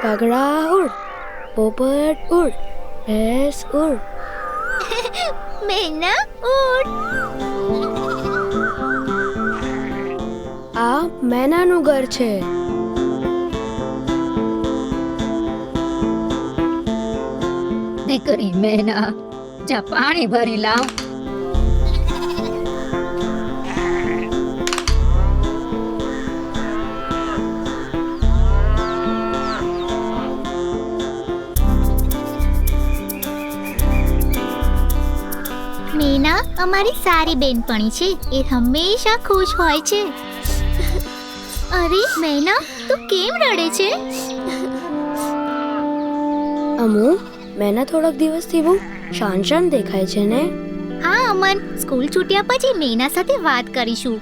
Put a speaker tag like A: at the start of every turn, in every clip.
A: કાગડા ઉડ, પોપટ ઉડ, ભેંસ ઉડ.
B: મેના ઉડ.
A: આ મેનાનું ઘર છે.
C: દીકરી મેના, જા પાણી ભરી લાવ.
B: મેના અમારી સારી બેનપણી છે, એ હંમેશા ખુશ હોય છે. અરે મેના, તું કેમ રડે છે?
A: અમુ, મેના થોડાક દિવસથી બહુ શાંત શાંત દેખાય છે ને.
B: હા અમન, સ્કૂલ છૂટ્યા પછી મેના સાથે વાત કરીશું.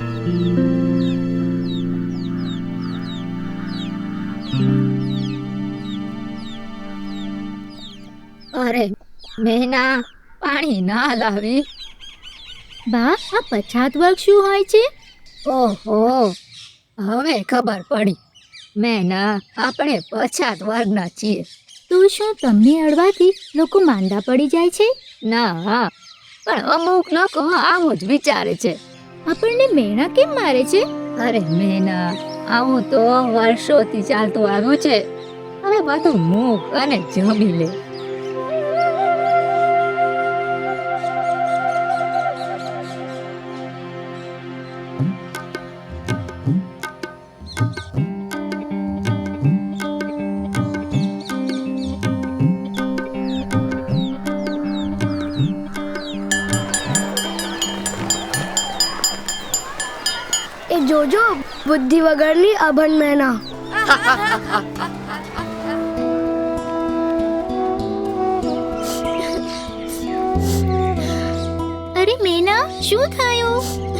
C: અરે મેના, પાણી ના લાવી.
B: બા, આ પછાત વર્ગ શું હોય છે?
C: ઓહો, હવે ખબર પડી. મેના, આપણે પછાત વર્ગના છીએ.
B: તો શું તમને અડવાથી લોકો માંદા પડી જાય છે?
C: ના, પણ અમુક લોકો આવું જ વિચારે છે.
B: આપણને મેણા કેમ મારે છે?
C: અરે મેના, આવું તો વર્ષોથી ચાલતું આવ્યું છે. હવે બધું મૂક અને જમી લે.
A: એ જોજો, બુદ્ધિ વગરની અભણ મેના.
B: અરે મેના, શું થયું?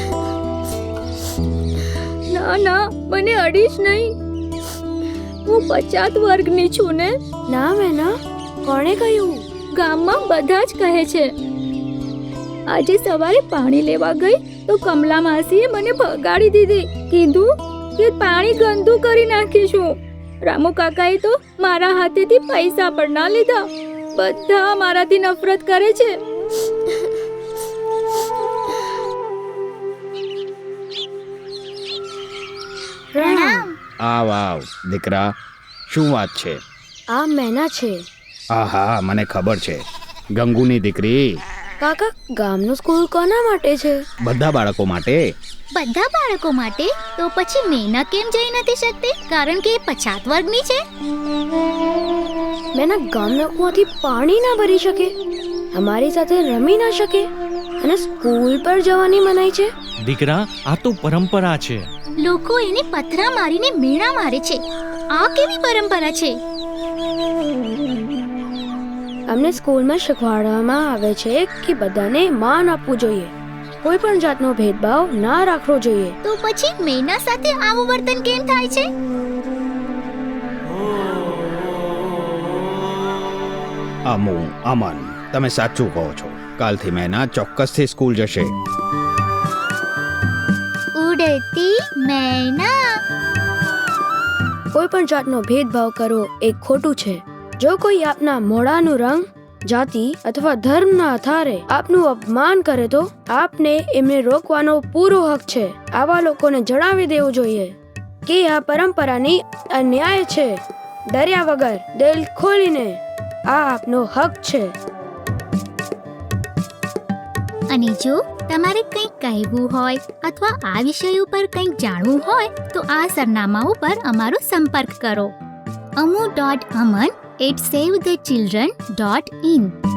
C: ના ના, મને અડીશ નહીં. હું પછાત વર્ગની છું ને.
A: ના મેના, કોણે કહ્યું?
C: ગામમાં બધા જ કહે છે. આજે સવારે પાણી લેવા ગઈ તો કમલા માસીએ મને ભગાડી દીધી. કીધું કે પાણી ગંદુ કરી નાખીશું. રામુ કાકાએ તો મારા હાથેથી પૈસા પણ ના લીધા. બધા મારાથી નફરત કરે છે.
B: પ્રણામ.
D: આવ આવ દીકરા, શું વાત છે?
A: આ મેના છે.
D: આહા, મને ખબર છે, ગંગુની દીકરી.
A: કાકા, ગામનું સ્કૂલ કોના માટે છે?
D: બધા બાળકો માટે.
B: બધા બાળકો માટે? તો પછી મેના કેમ જઈ નથી શકતી? કારણ કે એ પછાત વર્ગની છે.
A: મેના ગામના કૂવાથી પાણી ના ભરી શકે, અમારી સાથે રમી ના શકે અને સ્કૂલ પર જવાની મનાઈ છે.
E: દીકરા, આ તો પરંપરા છે.
B: લોકો એને પથરા મારીને મેણા મારે છે. આ કેવી પરંપરા છે?
A: અમને સ્કૂલમાં શીખવાડવામાં આવે છે કે બધાને માન આપવું જોઈએ, કોઈ પણ જાતનો ભેદભાવ ના રાખવો જોઈએ.
B: તો પછી મેના સાથે આવું વર્તન કેમ થાય છે?
D: અમુ, અમન, તમે સાચું કહો છો. કાલથી મેના ચોક્કસથી સ્કૂલ જશે.
B: ઉડતી મેના.
A: કોઈ પણ જાતનો ભેદભાવ કરવો એ ખોટું છે. જો કોઈ આપના મોઢાનું રંગ, જાતિ અથવા ધર્મના આધારે આપનું અપમાન કરે તો આપને એમને રોકવાનો પૂરો હક છે. આવા લોકોને જણાવી દેવું જોઈએ કે આ પરંપરાની અન્યાય છે. ડર્યા વગર દિલ ખોલીને, આ આપનો હક છે.
B: અને જો તમારે કંઈક કહેવું હોય અથવા આ વિષય ઉપર કંઈક જાણવું હોય તો આ સરનામા ઉપર અમારો સંપર્ક કરો. amu.aman@savethechildren.in